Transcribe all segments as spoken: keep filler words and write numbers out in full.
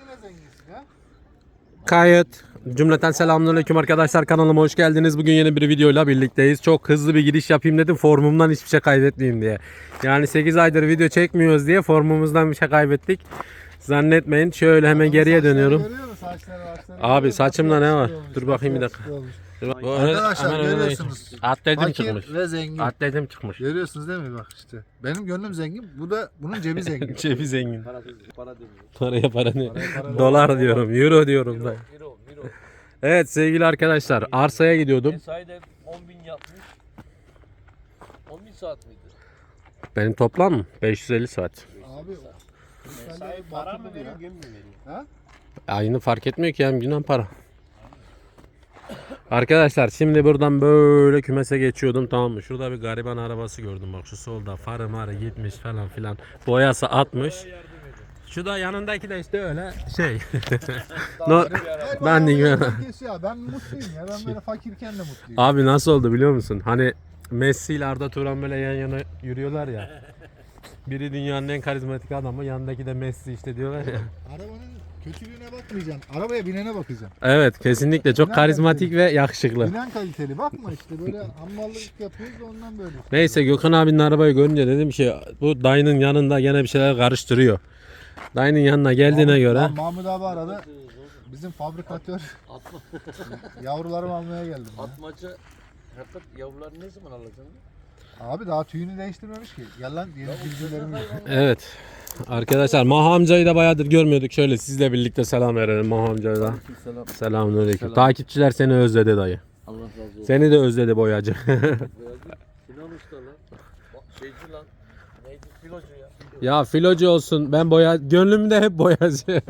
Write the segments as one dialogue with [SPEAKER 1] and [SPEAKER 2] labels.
[SPEAKER 1] Kayıt. Cümleten selamünaleyküm arkadaşlar, kanalıma hoş geldiniz. Bugün yeni bir videoyla birlikteyiz. Çok hızlı bir giriş yapayım dedim, formumdan hiçbir şey kaybetmeyeyim diye. Yani sekiz aydır video çekmiyoruz diye formumuzdan bir şey kaybettik. Zannetmeyin. Şöyle hemen geriye dönüyorum. Abi saçımda ne var? Dur bakayım bir dakika.
[SPEAKER 2] Arkadaşlar görüyorsunuz.
[SPEAKER 1] Atletim çıkmış.
[SPEAKER 2] Ve zengin.
[SPEAKER 1] Atletim çıkmış.
[SPEAKER 2] Görüyorsunuz değil mi bak işte. Benim gönlüm zengin. Bu da bunun cebi zengin.
[SPEAKER 1] Cebi zengin.
[SPEAKER 3] Para, para demiyor.
[SPEAKER 1] Paraya para ne?
[SPEAKER 2] Paraya para
[SPEAKER 1] Dolar diyorum, euro diyorum da.
[SPEAKER 3] Euro, euro.
[SPEAKER 1] Evet sevgili arkadaşlar, arsaya gidiyordum.
[SPEAKER 3] Mesaide on bin yapmış. on bin saat miydi?
[SPEAKER 1] Benim toplam beş yüz elli saat.
[SPEAKER 2] Abi
[SPEAKER 3] Mesai para mı veriyor, gün mü veriyor?
[SPEAKER 2] Ha?
[SPEAKER 1] Aynı fark etmiyor ki, hem günden para. Arkadaşlar şimdi buradan böyle kümese geçiyordum, tamam mı? Şurada bir gariban arabası gördüm, bak şu solda, farı marı gitmiş falan filan. Boyası atmış. Şu da yanındaki de işte öyle şey. no, ben de
[SPEAKER 2] Ya, ben mutluyum ya. Ben böyle fakirken de mutluyum.
[SPEAKER 1] Abi nasıl oldu biliyor musun? Hani Messi ile Arda Turan böyle yan yana yürüyorlar ya. Biri dünyanın en karizmatik adamı, yanındaki de Messi işte diyorlar ya.
[SPEAKER 2] Arabanın kötülüğüne bakmayacaksın. Arabaya binene bakacaksın.
[SPEAKER 1] Evet kesinlikle çok
[SPEAKER 2] Binen
[SPEAKER 1] karizmatik
[SPEAKER 2] kaliteli.
[SPEAKER 1] ve yakışıklı.
[SPEAKER 2] Binen kaliteli. Bakma işte böyle hammallık yapıyoruz da ondan böyle.
[SPEAKER 1] Neyse Gökhan abinin arabayı görünce dedim ki bu dayının yanında gene bir şeyler karıştırıyor. Dayının yanına geldiğine
[SPEAKER 2] Mahmut,
[SPEAKER 1] göre.
[SPEAKER 2] Lan Mahmut abi aradı. Bizim fabrikatör
[SPEAKER 3] Atma,
[SPEAKER 2] yavrularımı almaya geldim. Ya.
[SPEAKER 3] atmaca fakat yavruları ne zaman alacaksın?
[SPEAKER 2] Abi daha tüyünü değiştirmemiş ki. Gel lan yeni bilgilerimi.
[SPEAKER 1] Evet. Arkadaşlar Maha amcayı da bayağıdır görmüyorduk. Şöyle sizle birlikte selam verelim Maha amcaya da.
[SPEAKER 3] Selam.
[SPEAKER 1] Selamünaleyküm.
[SPEAKER 3] Selam.
[SPEAKER 1] Takipçiler seni özledi dayı.
[SPEAKER 3] Allah razı olsun.
[SPEAKER 1] Seni de özledi boyacı.
[SPEAKER 3] Sinan Usta lan. Bak, Şeyci lan. Neydi? Filocu ya.
[SPEAKER 1] Ya filocu olsun, ben boya gönlümde hep boyacı.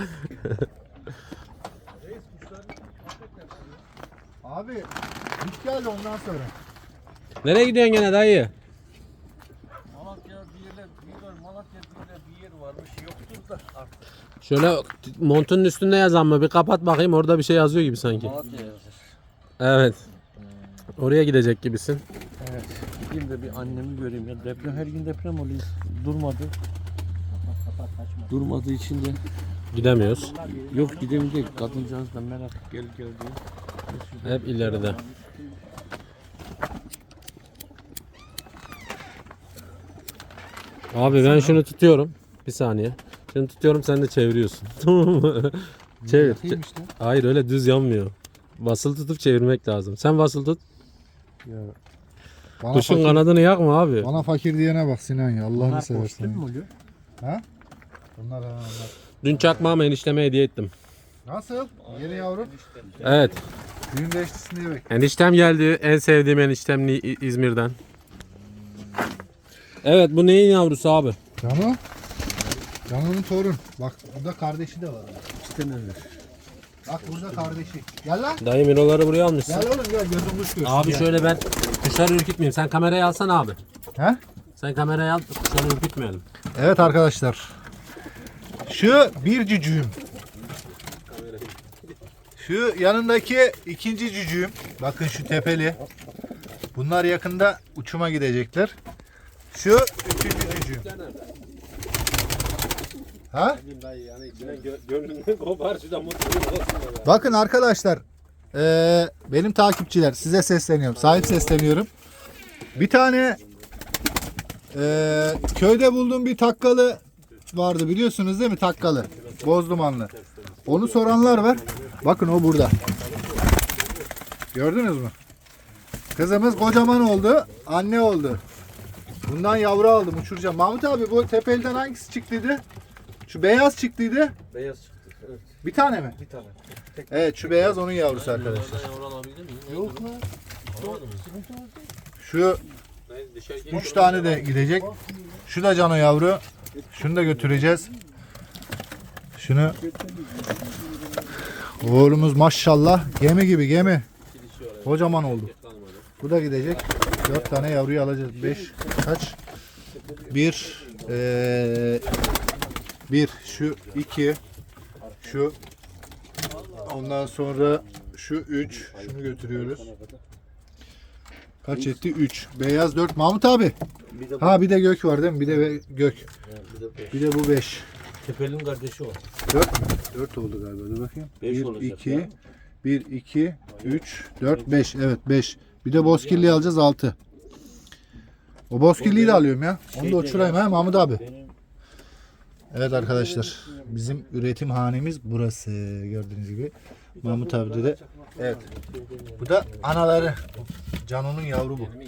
[SPEAKER 2] Abi hiç geldi ondan sonra.
[SPEAKER 1] Nereye gidiyorsun gene dayı?
[SPEAKER 3] Malatya bir yerler, bir yer, Malatya bir yerler bir yer varmış. Yoktur da artık.
[SPEAKER 1] Şöyle montunun üstünde yazan mı? Bir kapat bakayım, orada bir şey yazıyor gibi sanki.
[SPEAKER 3] Malatya yazır.
[SPEAKER 1] Evet. Oraya gidecek gibisin.
[SPEAKER 3] Evet. Gideyim de bir annemi göreyim ya. Deprem, her gün deprem oluyor. Durmadı. Durmadığı için de
[SPEAKER 1] Gidemiyoruz.
[SPEAKER 3] yok gidemeyecek. Kadıncağız da merak gel gel diye.
[SPEAKER 1] Hep ileride. Abi ben şunu tutuyorum. Bir saniye. Şunu tutuyorum, sen de çeviriyorsun. Tamam mı? Çevir.
[SPEAKER 2] Yapayım işte.
[SPEAKER 1] Hayır öyle düz yanmıyor. Basılı tutup çevirmek lazım. Sen basılı tut.
[SPEAKER 2] Bana
[SPEAKER 1] Kuşun
[SPEAKER 2] fakir,
[SPEAKER 1] kanadını yakma abi.
[SPEAKER 2] bana fakir diyene bak Sinan ya. Allah'ını
[SPEAKER 3] Bunlar
[SPEAKER 2] seversen.
[SPEAKER 3] kostüm mü oluyor?
[SPEAKER 2] Ha? Bunlar ha onlar.
[SPEAKER 1] Dün çakmağımı enişteme hediye ettim.
[SPEAKER 2] Nasıl? Yeni yavrum.
[SPEAKER 1] Evet.
[SPEAKER 2] Düğün değiştirsin diye bek.
[SPEAKER 1] Eniştem geldi. En sevdiğim eniştem İ- İzmir'den. Evet, bu neyin yavrusu abi?
[SPEAKER 2] Cano. Cano'nun torun. Bak burada kardeşi de var.
[SPEAKER 3] İşte neler?
[SPEAKER 2] Bak burada kardeşi. Gel lan.
[SPEAKER 1] Dayı miroları buraya almışsın.
[SPEAKER 2] Gel oğlum gel gözüm kuş görsün.
[SPEAKER 1] Abi
[SPEAKER 2] gel.
[SPEAKER 1] şöyle ben kuşları ürkütmeyeyim. Sen kamerayı alsana abi.
[SPEAKER 2] He?
[SPEAKER 1] Sen kamerayı al, kuşları ürkütmeyelim.
[SPEAKER 2] Evet arkadaşlar. Şu bir cücüğüm. Şu yanındaki ikinci cücüğüm. Bakın şu tepeli. Bunlar yakında uçuma gidecekler. Şu üçüncü cücüğüm. Ha? Bakın arkadaşlar. eee, benim takipçiler size sesleniyorum. Sahip sesleniyorum. Bir tane eee, köyde bulduğum bir takkalı vardı, biliyorsunuz değil mi, takkalı bozdumanlı. Onu soranlar var. Bakın o burada. Gördünüz mü? Kızımız kocaman oldu. Anne oldu. Bundan yavru aldım, uçuracağım. Mahmut abi bu tepeliden hangisi çıktıydı? Şu beyaz çıktıydı.
[SPEAKER 3] Beyaz çıktı. Evet.
[SPEAKER 2] Bir tane mi?
[SPEAKER 3] Bir tane.
[SPEAKER 2] Evet şu beyaz onun yavrusu arkadaşlar.
[SPEAKER 3] Yavru alabilir miyim?
[SPEAKER 2] Yok mu?
[SPEAKER 3] Alamadım.
[SPEAKER 2] Şu üç tane de gidecek. Şu da cano yavru. Şunu da götüreceğiz. Şunu. Oğlumuz maşallah gemi gibi gemi. Kocaman oldu. Bu da gidecek. Dört tane yavruyu alacağız. Beş kaç? Bir. Ee, bir. Şu iki. Şu. Ondan sonra şu üç. Şunu götürüyoruz. Kaç etti? üç. Beyaz dört. Mahmut abi.
[SPEAKER 3] Bir de bu.
[SPEAKER 2] Ha bir de gök var değil mi? Bir de be- gök.
[SPEAKER 3] Bir de beş.
[SPEAKER 2] Bir de bu beş.
[SPEAKER 3] Tepelin kardeşi o.
[SPEAKER 2] dört dört oldu galiba. Dur bakayım.
[SPEAKER 3] Beş
[SPEAKER 2] bir,
[SPEAKER 3] olacak
[SPEAKER 2] iki,
[SPEAKER 3] ya.
[SPEAKER 2] bir, iki, üç, dört, beş. Evet beş. Bir de bozkirliği alacağız altı. O bozkirliği de alıyorum ya. Onu da uçurayım ha Mahmut abi.
[SPEAKER 3] Benim
[SPEAKER 2] Evet arkadaşlar. Bizim üretim hanemiz burası. Gördüğünüz gibi. Mahmut abi de. Evet. Bu da anaları. Cano'nun yavru bu.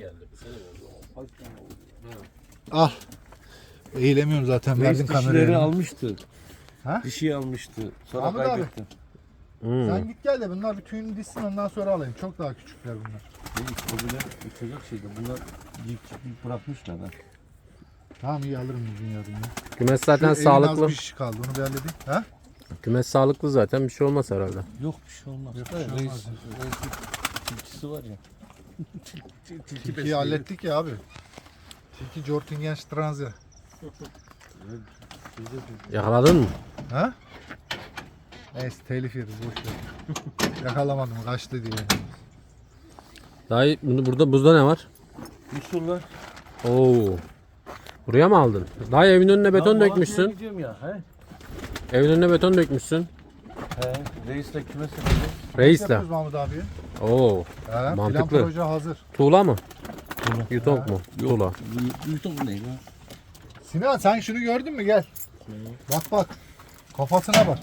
[SPEAKER 2] Al. Eğilemiyorum zaten. Verdim
[SPEAKER 3] dişileri
[SPEAKER 2] kamerayı.
[SPEAKER 3] almıştı.
[SPEAKER 2] Ha?
[SPEAKER 3] Dişi almıştı. Sonra
[SPEAKER 2] Ahmet abi.
[SPEAKER 3] kaybettim.
[SPEAKER 1] Hmm.
[SPEAKER 2] Sen git gel de bunlar bir tüyünü dişsin ondan sonra alayım. Çok daha küçükler bunlar.
[SPEAKER 3] Değil, kobiler uçacak şeydi. Bunlar yiyip yiyip bırakmışlar ha.
[SPEAKER 2] Tamam iyi alırım bugün yarın ya.
[SPEAKER 1] Kümes zaten
[SPEAKER 2] Şu evin az
[SPEAKER 1] sağlıklı.
[SPEAKER 2] bir şiş kaldı onu bir halledeyim. Ha?
[SPEAKER 1] Kümes sağlıklı zaten, bir şey olmaz herhalde.
[SPEAKER 3] Yok bir şey olmaz.
[SPEAKER 2] Yok, bir
[SPEAKER 3] Da
[SPEAKER 2] şey
[SPEAKER 3] reis,
[SPEAKER 2] olmaz.
[SPEAKER 3] reisin tilkisi var ya.
[SPEAKER 2] Tilkiyi hallettik ya abi. Tilki Jortingen Stranze.
[SPEAKER 1] Yakaladın mı?
[SPEAKER 2] Ha? Neyse telif yeriz boş ver. Yakalamadım kaçtı diye.
[SPEAKER 1] Dayı bunu burada buzda ne var?
[SPEAKER 3] Musullar.
[SPEAKER 1] Oo. Buraya mı aldın? Dayı evin önüne beton dökmüşsün.
[SPEAKER 3] Gidiyorum ya. He?
[SPEAKER 1] Evin önüne beton dökmüşsün.
[SPEAKER 3] He. Reisle kümes yapacağız.
[SPEAKER 1] Reisle.
[SPEAKER 2] Yapıyoruz Mahmut abi.
[SPEAKER 1] Oo.
[SPEAKER 2] Ha,
[SPEAKER 1] Mantıklı.
[SPEAKER 2] Plan proje hazır.
[SPEAKER 1] Tuğla mı?
[SPEAKER 3] Tuğla.
[SPEAKER 1] Yutok mu? Tuğla.
[SPEAKER 3] Yutok ne ya?
[SPEAKER 2] Sinan sen şunu gördün mü gel. Bak bak. Kafasına bak.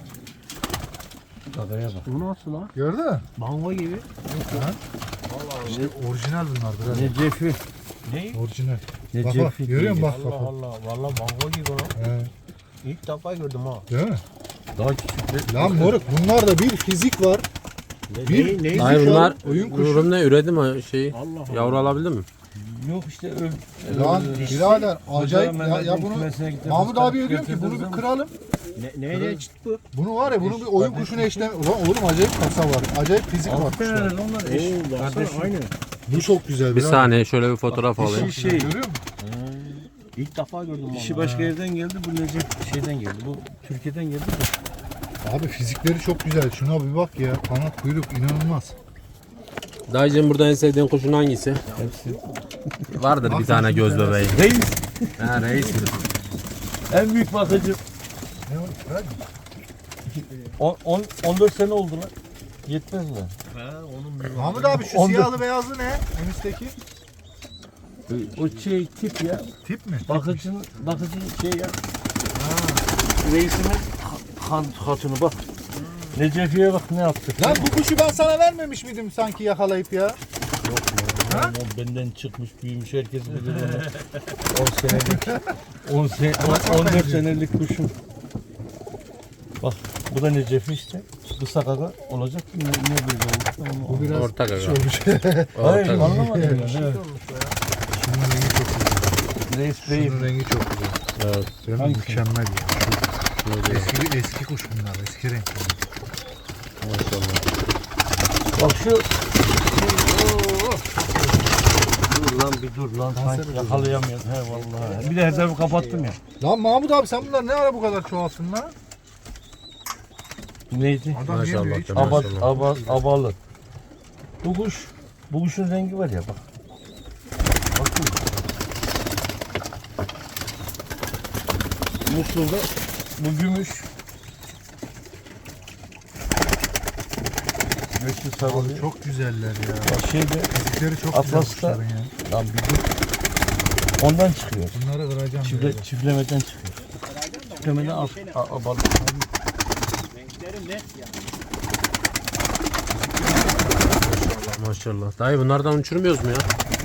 [SPEAKER 3] Adaya bak. Bu nasıl lan?
[SPEAKER 2] Gördün mü?
[SPEAKER 3] Mango gibi.
[SPEAKER 2] Ha? İşte orijinal bunlar biraz.
[SPEAKER 3] Necefi. Ne?
[SPEAKER 2] Orijinal.
[SPEAKER 3] Ne
[SPEAKER 2] Bak bak görüyor musun bak bak. bak.
[SPEAKER 4] Allah valla mango gibi lan.
[SPEAKER 2] He,
[SPEAKER 4] İlk defa gördüm ha.
[SPEAKER 2] değil mi?
[SPEAKER 3] Daha küçük.
[SPEAKER 2] Lan moruk bunlarda bir fizik var.
[SPEAKER 4] Ne,
[SPEAKER 2] Bir-
[SPEAKER 4] ne, ne,
[SPEAKER 1] Hayır
[SPEAKER 2] şu an
[SPEAKER 1] bunlar
[SPEAKER 2] oyun kuşu.
[SPEAKER 1] ürün ne üredi mi şeyi?
[SPEAKER 4] Allah Allah.
[SPEAKER 1] Yavru alabildin mi?
[SPEAKER 3] Yok işte öl.
[SPEAKER 2] Lan
[SPEAKER 3] öl-
[SPEAKER 2] birader acayip ya,
[SPEAKER 3] Mehmet'in
[SPEAKER 2] ya bunu
[SPEAKER 3] kümesine gidip
[SPEAKER 2] Mahmut
[SPEAKER 3] ıspanak
[SPEAKER 2] abiye diyorum ki bunu
[SPEAKER 3] getiririz
[SPEAKER 2] bir
[SPEAKER 3] ama-
[SPEAKER 2] kıralım.
[SPEAKER 4] Ne, ne, ne çıt bu?
[SPEAKER 2] Bunu var ya bunun bir oyun kuşuna eşlem. Ulan oğlum acayip kasa var. Acayip fizik var
[SPEAKER 3] Altı
[SPEAKER 2] kuşlar.
[SPEAKER 3] tane onlar eş.
[SPEAKER 4] Oo baksana
[SPEAKER 3] Kardeşim.
[SPEAKER 4] aynı.
[SPEAKER 2] Bu çok güzel.
[SPEAKER 1] Bir
[SPEAKER 2] birader.
[SPEAKER 1] saniye şöyle bir fotoğraf alayım.
[SPEAKER 3] Dişi şey.
[SPEAKER 2] Görüyor musun?
[SPEAKER 4] İlk defa gördüm valla.
[SPEAKER 3] Dişi başka yerden geldi. Bu Necip şeyden geldi. Bu Türkiye'den geldi de.
[SPEAKER 2] Abi fizikleri çok güzel. Şuna bir bak ya. Kanat kuyruk inanılmaz.
[SPEAKER 1] Dayıcığım burada en sevdiğin kuşun hangisi?
[SPEAKER 3] Hepsi.
[SPEAKER 1] Vardır bir
[SPEAKER 2] Bak,
[SPEAKER 1] tane
[SPEAKER 2] bir
[SPEAKER 1] göz
[SPEAKER 2] tane.
[SPEAKER 1] bebeği.
[SPEAKER 3] Reis.
[SPEAKER 1] Ha reis mi?
[SPEAKER 3] En büyük bakıcı.
[SPEAKER 2] Ne var? Ver.
[SPEAKER 3] on, on, on dört sene oldu lan. Yetmez mi?
[SPEAKER 4] Ha onun bir
[SPEAKER 2] Mahmut abi şu
[SPEAKER 3] On dört.
[SPEAKER 2] siyahlı beyazlı ne? En üstteki.
[SPEAKER 3] O şey tip ya.
[SPEAKER 2] Tip mi?
[SPEAKER 3] Bakıcının, bakıcının şey ya. Reisimin han, hatunu bak. Necefi'ye bak ne yaptı.
[SPEAKER 2] Lan bu kuşu ben sana vermemiş miydim sanki yakalayıp ya?
[SPEAKER 3] Lan o benden çıkmış büyümüş herkes bilir onu. on senelik. on sene, on, on dört senelik kuşum. Bak bu da Necefi işte. Bu sakaka olacak. Ne, ne böyle oldu?
[SPEAKER 2] Bu biraz
[SPEAKER 1] Orta
[SPEAKER 2] şey
[SPEAKER 1] gaga.
[SPEAKER 2] olmuş.
[SPEAKER 3] Hayır
[SPEAKER 1] Orta.
[SPEAKER 3] anlamadım ya. Evet.
[SPEAKER 2] Şunun rengi çok güzel.
[SPEAKER 3] Reis Bey.
[SPEAKER 2] Şunun rengi çok güzel.
[SPEAKER 1] Evet.
[SPEAKER 2] Değil mi?
[SPEAKER 3] Hangisi?
[SPEAKER 2] Mükemmel ya. Eski, eski kuş bunlar. Eski renk.
[SPEAKER 1] Maşallah.
[SPEAKER 3] Bak şu. Dur lan bir dur lan.
[SPEAKER 2] Kanser
[SPEAKER 3] Sanki yakalayamıyorum. He vallahi. Bir de hedefi kapattım ya.
[SPEAKER 2] Lan Mahmut abi sen bunlar ne ara bu kadar çoğalsın lan?
[SPEAKER 3] Neydi?
[SPEAKER 2] Adam
[SPEAKER 1] Maşallah.
[SPEAKER 2] yemiyor hiç.
[SPEAKER 1] Maşallah.
[SPEAKER 3] Aba, aba, abalı. Bu kuş, bu kuşun rengi var ya bak. Bakın. Muslu'da bu gümüş. Göçlü
[SPEAKER 2] Abi
[SPEAKER 3] sarılı.
[SPEAKER 2] çok güzeller ya.
[SPEAKER 3] Bak şeyde,
[SPEAKER 2] Fizikleri çok güzel
[SPEAKER 3] Atlas'ta-
[SPEAKER 2] kuşların ya.
[SPEAKER 3] lan bir dur. Ondan çıkıyor.
[SPEAKER 2] Bunları kıracağım.
[SPEAKER 3] Çifle,
[SPEAKER 2] böyle.
[SPEAKER 3] çiftlemeden çıkıyor. Çiftlemeden al, a- abalı.
[SPEAKER 1] Maşallah. Dayı bunlardan uçurmuyoruz mu ya?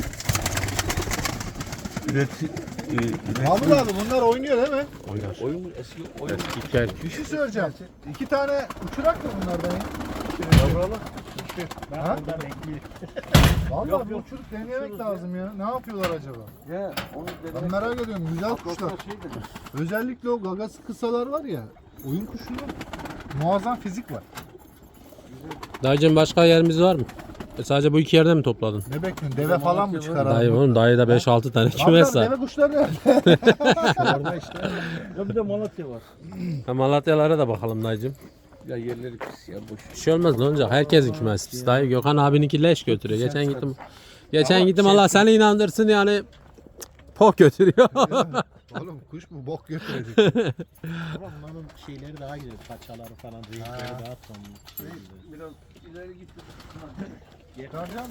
[SPEAKER 3] Üreti, e, üreti-
[SPEAKER 2] Mahmut abi bunlar oynuyor değil mi?
[SPEAKER 1] Oynar.
[SPEAKER 3] oyun eski oyun.
[SPEAKER 1] Gel.
[SPEAKER 2] Bir şey söyleyeceğim. İki tane uçurak mı bunlardan ya?
[SPEAKER 3] Yavralı.
[SPEAKER 2] Ha? Vallahi bir uçurup deneyemek lazım ya. Ne yapıyorlar acaba?
[SPEAKER 3] Ya onu
[SPEAKER 2] Ben merak ediyorum. Güzel kuşlar.
[SPEAKER 3] Şey dedim.
[SPEAKER 2] Özellikle o gagası kısalar var ya. Oyun kuşunda muazzam fizik var.
[SPEAKER 1] Dayıcığım başka yerimiz var mı? E sadece bu iki yerde mi topladın?
[SPEAKER 2] Ne bekliyorsun? Deve falan mı çıkar abi?
[SPEAKER 1] Dayı oğlum dayıda beş altı tane
[SPEAKER 2] Abi
[SPEAKER 1] kümes var.
[SPEAKER 2] deve kuşları nerede?
[SPEAKER 3] Orada işte. Ya bir de Malatya var.
[SPEAKER 1] Ha, Malatyalara da bakalım dayıcığım.
[SPEAKER 3] Ya yerleri pis ya boş.
[SPEAKER 1] Bir şey olmaz ne olacak? Herkesin kümesi pis. Dayı Gökhan abininki leş götürüyor. Geçen gittim. Geçen gittim Allah seni inandırsın yani pok götürüyor.
[SPEAKER 2] Oğlum kuş mu bok götürecek.
[SPEAKER 4] Ama bunların şeyleri daha güzel. Paçaları falan, renkleri daha tonlu. Şey güzel.
[SPEAKER 3] Biraz ileri git.
[SPEAKER 2] Çıkaracağım.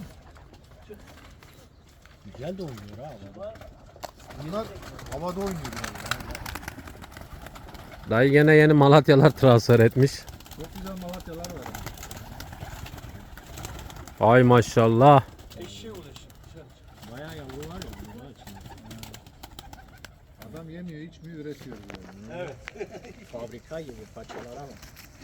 [SPEAKER 4] Güzel de oynuyor ha. adam.
[SPEAKER 2] Bunlar havada oynuyor. Yani.
[SPEAKER 1] Dayı gene yeni Malatyalar transfer etmiş.
[SPEAKER 2] Çok güzel Malatyalar var.
[SPEAKER 1] Ay maşallah.
[SPEAKER 3] Eşeğe uğraşın.
[SPEAKER 4] Bayağı yavru var ya bunlar içinde.
[SPEAKER 2] Adam yemiyor, içmiyor, üretiyor. Yani.
[SPEAKER 3] Evet.
[SPEAKER 4] Fabrika gibi paçalara bak.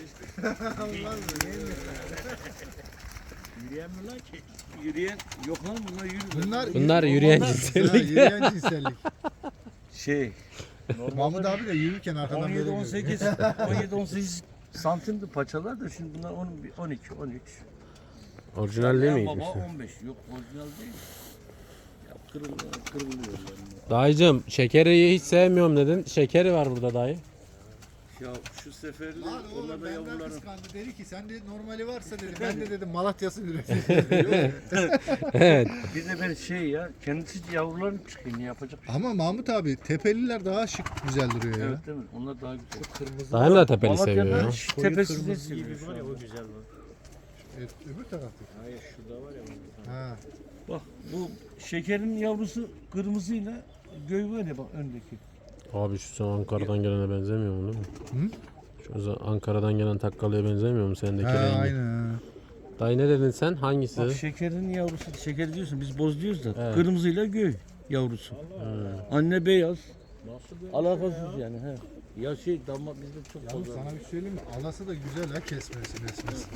[SPEAKER 4] Yürüyemiyorlar ki.
[SPEAKER 3] Yürüyen yok lan bunlar yürüyor.
[SPEAKER 2] Bunlar,
[SPEAKER 1] Bunlar yürüyen
[SPEAKER 2] onlar-
[SPEAKER 1] cinsellik.
[SPEAKER 2] Ha, yürüyen cinsellik.
[SPEAKER 3] Şey.
[SPEAKER 2] Mahmut abi de yürürken arkadan
[SPEAKER 3] on
[SPEAKER 2] böyle
[SPEAKER 3] yedi on
[SPEAKER 2] yürüyor.
[SPEAKER 3] sekiz on yedi on sekiz santimdi paçalar da şimdi bunlar on iki on üç.
[SPEAKER 1] Orijinal değil mi?
[SPEAKER 3] Baba on beş. Yok orijinal değil. Ya kırılıyor, kırılıyor yani.
[SPEAKER 1] Dayıcım şekeri hiç sevmiyorum dedin. Şekeri var burada dayı.
[SPEAKER 3] Ya şu seferli
[SPEAKER 2] Lan oğlum
[SPEAKER 3] onlar da
[SPEAKER 2] benden
[SPEAKER 3] yavruların.
[SPEAKER 2] kıskandı. Dedi ki sen de normali varsa dedi. Ben de dedim Malatya'sı üretiyor.
[SPEAKER 1] Evet.
[SPEAKER 3] Bir de ben şey ya kendisi yavruların çıkıyor ne yapacak?
[SPEAKER 2] Ama Mahmut abi tepeliler daha şık güzel duruyor ya.
[SPEAKER 3] Evet değil mi? Onlar daha güzel.
[SPEAKER 4] Kırmızı
[SPEAKER 1] Dayım da tepeli
[SPEAKER 3] Malatya'da
[SPEAKER 1] seviyor ya.
[SPEAKER 3] şu
[SPEAKER 4] koyu
[SPEAKER 3] tepesi de
[SPEAKER 4] kırmızı
[SPEAKER 3] seviyor
[SPEAKER 4] gibi
[SPEAKER 3] şu
[SPEAKER 4] var ya
[SPEAKER 3] anda.
[SPEAKER 4] o güzel var.
[SPEAKER 2] Evet, öbür tarafta.
[SPEAKER 4] Hayır şurada var ya. o.
[SPEAKER 2] Ha.
[SPEAKER 3] Bak bu şekerin yavrusu kırmızıyla göy var ya bak öndeki.
[SPEAKER 1] Abi şu sen Ankara'dan gelene benzemiyor mu değil mi?
[SPEAKER 2] Hı?
[SPEAKER 1] Şu Ankara'dan gelen takkalıya benzemiyor mu sendeki
[SPEAKER 2] Ha,
[SPEAKER 1] rengi?
[SPEAKER 2] aynen. ha.
[SPEAKER 1] Dayı ne dedin sen? Hangisi?
[SPEAKER 3] Bak şekerin yavrusu, şeker diyorsun biz boz diyoruz da
[SPEAKER 1] Evet.
[SPEAKER 3] kırmızıyla göy yavrusu. Anne beyaz. Alakasız yani he. Ya şey damat bizde çok
[SPEAKER 2] Yalnız
[SPEAKER 3] fazla.
[SPEAKER 2] sana bir söyleyeyim mi? Alası da güzel ha kesmesi mesmesi.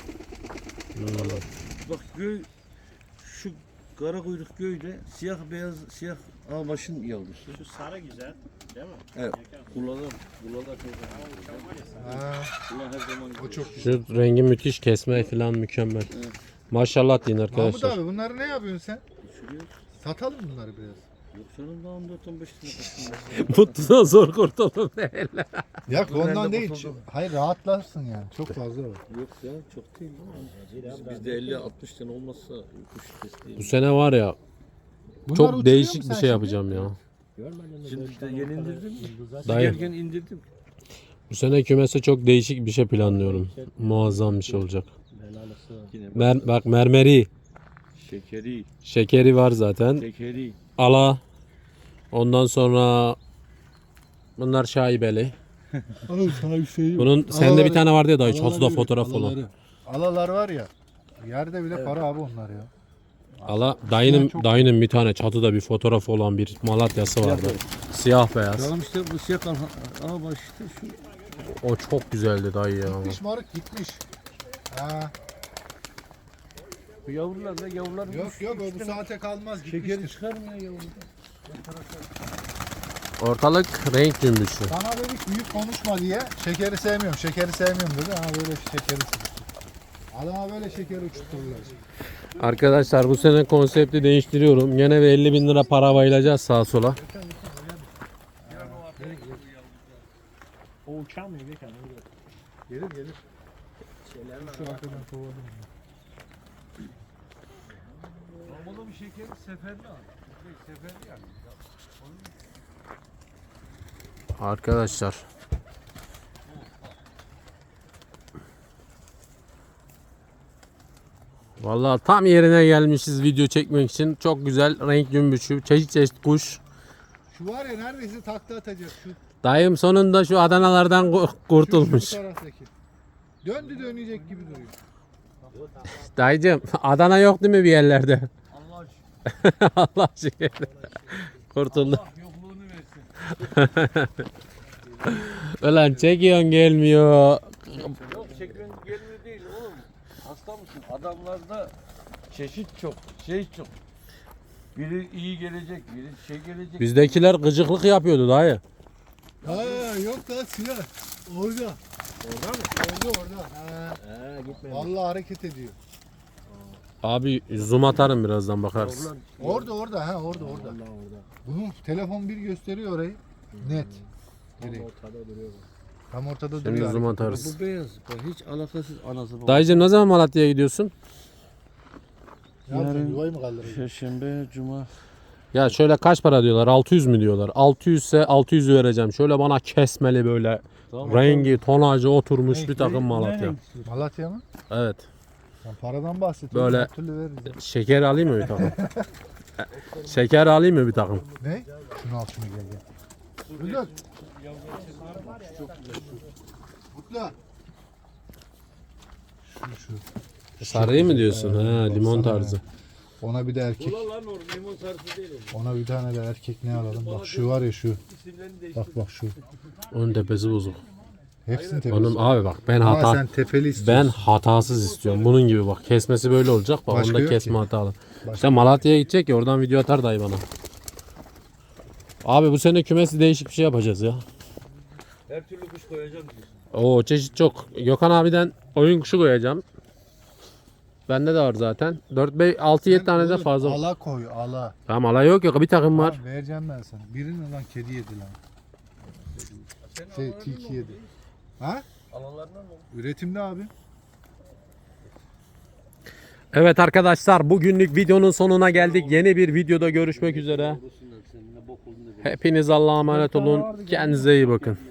[SPEAKER 3] Bak göy şu kara kuyruk göyde siyah beyaz siyah ağbaşın yavrusu.
[SPEAKER 4] Şu sarı güzel değil mi?
[SPEAKER 3] Evet. Kullanır. Kullanır her zaman.
[SPEAKER 2] Ha,
[SPEAKER 3] Kullan her zaman.
[SPEAKER 2] o çok güzel.
[SPEAKER 1] Şu rengi müthiş, kesme falan mükemmel. Maşallah deyin
[SPEAKER 2] Mahmut
[SPEAKER 1] arkadaşlar.
[SPEAKER 2] abi bunları ne yapıyorsun sen?
[SPEAKER 3] Şuraya.
[SPEAKER 2] Satalım bunları biraz.
[SPEAKER 3] Yok canım daha on dört on beş lira kaçtım.
[SPEAKER 1] Mutludan zor kurtuldum değil.
[SPEAKER 2] Ya
[SPEAKER 3] Ben de
[SPEAKER 2] ondan değil.
[SPEAKER 3] kurtuldum.
[SPEAKER 2] Hayır rahatlarsın yani. Çok fazla var.
[SPEAKER 3] Yok ya çok değil değil mi? Biz- Bizde elli altmış tane olmazsa kuş
[SPEAKER 1] Bu
[SPEAKER 3] kesmeyiz.
[SPEAKER 1] sene var ya
[SPEAKER 2] Bunlar
[SPEAKER 1] çok
[SPEAKER 2] uçuruyor
[SPEAKER 1] değişik
[SPEAKER 2] mu
[SPEAKER 1] bir
[SPEAKER 2] sen
[SPEAKER 1] şey
[SPEAKER 2] şimdi?
[SPEAKER 1] yapacağım ya.
[SPEAKER 4] Görmedin mi?
[SPEAKER 3] Şimdi
[SPEAKER 4] Böyle
[SPEAKER 3] işte
[SPEAKER 4] bir
[SPEAKER 3] yeni
[SPEAKER 4] tane
[SPEAKER 3] indirdim.
[SPEAKER 4] yıldızlar-
[SPEAKER 1] Dayı.
[SPEAKER 3] Gelirken indirdim.
[SPEAKER 1] Bu sene kümese çok değişik bir şey planlıyorum. Muazzam bir şey olacak.
[SPEAKER 4] Belalısı var.
[SPEAKER 3] Yine
[SPEAKER 1] Mer bak mermeri,
[SPEAKER 3] şekeri,
[SPEAKER 1] şekeri var zaten.
[SPEAKER 3] şekeri.
[SPEAKER 1] Ala. Ondan sonra bunlar şaibeli. Bunun sende bir tane vardı ya dayı çatıda fotoğraf olan.
[SPEAKER 2] Alalar var ya. Yerde bile para abi onlar ya.
[SPEAKER 1] Ala dayının
[SPEAKER 2] çok-
[SPEAKER 1] dayının bir tane çatıda bir fotoğraf olan bir Malatya'sı vardı. Siyah beyaz.
[SPEAKER 3] Tamam işte bu siyah kan. Aa bak işte şu.
[SPEAKER 1] O çok güzeldi dayı ya.
[SPEAKER 2] Gitmiş maruk gitmiş. Ha.
[SPEAKER 3] Bu yavrular da yavrular.
[SPEAKER 2] Yok yok o bu saate kalmaz
[SPEAKER 3] Şekeri
[SPEAKER 2] gitmiştir.
[SPEAKER 3] çıkar mı ya yavru?
[SPEAKER 1] Ortalık renk cümbüşü.
[SPEAKER 2] Sana dedik büyük konuşma diye şekeri sevmiyorum şekeri sevmiyorum dedi. Ha böyle şekeri sevdim. Adama böyle şekeri uçurturlar.
[SPEAKER 1] Arkadaşlar bu sene konsepti değiştiriyorum. Gene bir elli bin lira para bayılacağız sağa sola.
[SPEAKER 4] O uçan mı Gökhan?
[SPEAKER 2] Gelir gelir. Şu arkadan kovadım.
[SPEAKER 3] Ramazan bir şekeri seferli al. Seferli yani.
[SPEAKER 1] Arkadaşlar. Vallahi tam yerine gelmişiz video çekmek için. Çok güzel renk cümbüşü, çeşit çeşit kuş.
[SPEAKER 2] Şu var ya neredeyse takla atacak şu.
[SPEAKER 1] Dayım sonunda şu Adanalardan ku-
[SPEAKER 2] Şu,
[SPEAKER 1] kurtulmuş.
[SPEAKER 2] şu taraftaki. Döndü dönecek gibi duruyor.
[SPEAKER 1] Dayıcım Adana yok değil mi bir yerlerde?
[SPEAKER 3] Allah aşkına.
[SPEAKER 1] Allah aşkına. Kurtuldu.
[SPEAKER 3] Allah yokluğunu versin.
[SPEAKER 1] Ulan çekiyorsun gelmiyor.
[SPEAKER 3] Yok çekmen gelmiyor değil oğlum. Hasta mısın? Adamlarda çeşit çok, şey çok. Biri iyi gelecek, biri şey gelecek.
[SPEAKER 1] Bizdekiler gıcıklık yapıyordu dayı.
[SPEAKER 2] Ha yok lan silah. Orada. Orada mı? Orada orada. Ha.
[SPEAKER 4] He gitme.
[SPEAKER 2] Vallahi hareket ediyor.
[SPEAKER 1] Abi zoom atarım birazdan bakarsın.
[SPEAKER 3] Yavrular-
[SPEAKER 2] Orada orada ha orada orada.
[SPEAKER 4] Allah orada.
[SPEAKER 2] Bunun telefon bir gösteriyor orayı. Net.
[SPEAKER 4] Tam
[SPEAKER 2] Direkt.
[SPEAKER 4] ortada duruyor.
[SPEAKER 2] Tam ortada
[SPEAKER 1] Şimdi
[SPEAKER 2] duruyor.
[SPEAKER 1] zoom
[SPEAKER 2] hareket.
[SPEAKER 1] atarız.
[SPEAKER 3] Bu beyaz, bak hiç alakasız anası babası.
[SPEAKER 1] Dayıcım ne zaman Malatya'ya gidiyorsun?
[SPEAKER 2] Ne yapacaksın,
[SPEAKER 3] Yarın-
[SPEAKER 2] yuvayı mı kaldıracaksın?
[SPEAKER 3] Perşembe, cuma.
[SPEAKER 1] Ya şöyle kaç para diyorlar? altı yüz mü diyorlar? altı yüz ise altı yüzü vereceğim. Şöyle bana kesmeli böyle rengi, tonajı oturmuş bir takım Malatya.
[SPEAKER 2] Malatya mı?
[SPEAKER 1] Evet.
[SPEAKER 2] Sen paradan bahsediyorsun.
[SPEAKER 1] Böyle-
[SPEAKER 2] her türlü veririz.
[SPEAKER 1] Şeker alayım mı bir takım? Şeker alayım mı bir takım?
[SPEAKER 2] Ne? Şunu al şunu gel gel. Bülent. Mutlu. Şu şu.
[SPEAKER 1] Sarıyı mı diyorsun? Ha, limon
[SPEAKER 2] Baksana
[SPEAKER 1] tarzı.
[SPEAKER 2] Ona bir de erkek.
[SPEAKER 3] Lan o limon sarısı değil o.
[SPEAKER 2] Ona bir tane de erkek ne alalım? Bak şu var ya şu. Bak bak şu.
[SPEAKER 1] Onun tepesi bozuk.
[SPEAKER 2] Hepsini tepesi.
[SPEAKER 1] Onun abi bak ben
[SPEAKER 2] Ama
[SPEAKER 1] hata
[SPEAKER 2] sen tepeli
[SPEAKER 1] ben
[SPEAKER 2] istiyorsun.
[SPEAKER 1] hatasız istiyorum. Bunun gibi bak. Kesmesi böyle olacak. Bak
[SPEAKER 2] Başka
[SPEAKER 1] onda
[SPEAKER 2] yok
[SPEAKER 1] kesme
[SPEAKER 2] ki.
[SPEAKER 1] hatalı. İşte Malatya'ya gidecek ya oradan video atar dayı bana. Abi bu sene kümesi değişik bir şey yapacağız ya.
[SPEAKER 3] Her türlü kuş koyacağım diyorsun.
[SPEAKER 1] Oo çeşit çok. Gökhan abiden oyun kuşu koyacağım. Bende de var zaten. dört beş altı yedi tane de
[SPEAKER 2] Oğlum,
[SPEAKER 1] fazla.
[SPEAKER 2] Ala koy ala.
[SPEAKER 1] Tamam alay yok yok bir takım var.
[SPEAKER 2] Var. Vereceğim ben sana. Birini lan kedi yedi lan. Şey tilki yedi. Ha?
[SPEAKER 3] Alanlarından mı?
[SPEAKER 2] Üretimde abi.
[SPEAKER 1] Evet arkadaşlar bugünlük videonun sonuna geldik. Yeni bir videoda görüşmek üzere. Hepiniz Allah'a emanet olun. Kendinize iyi bakın.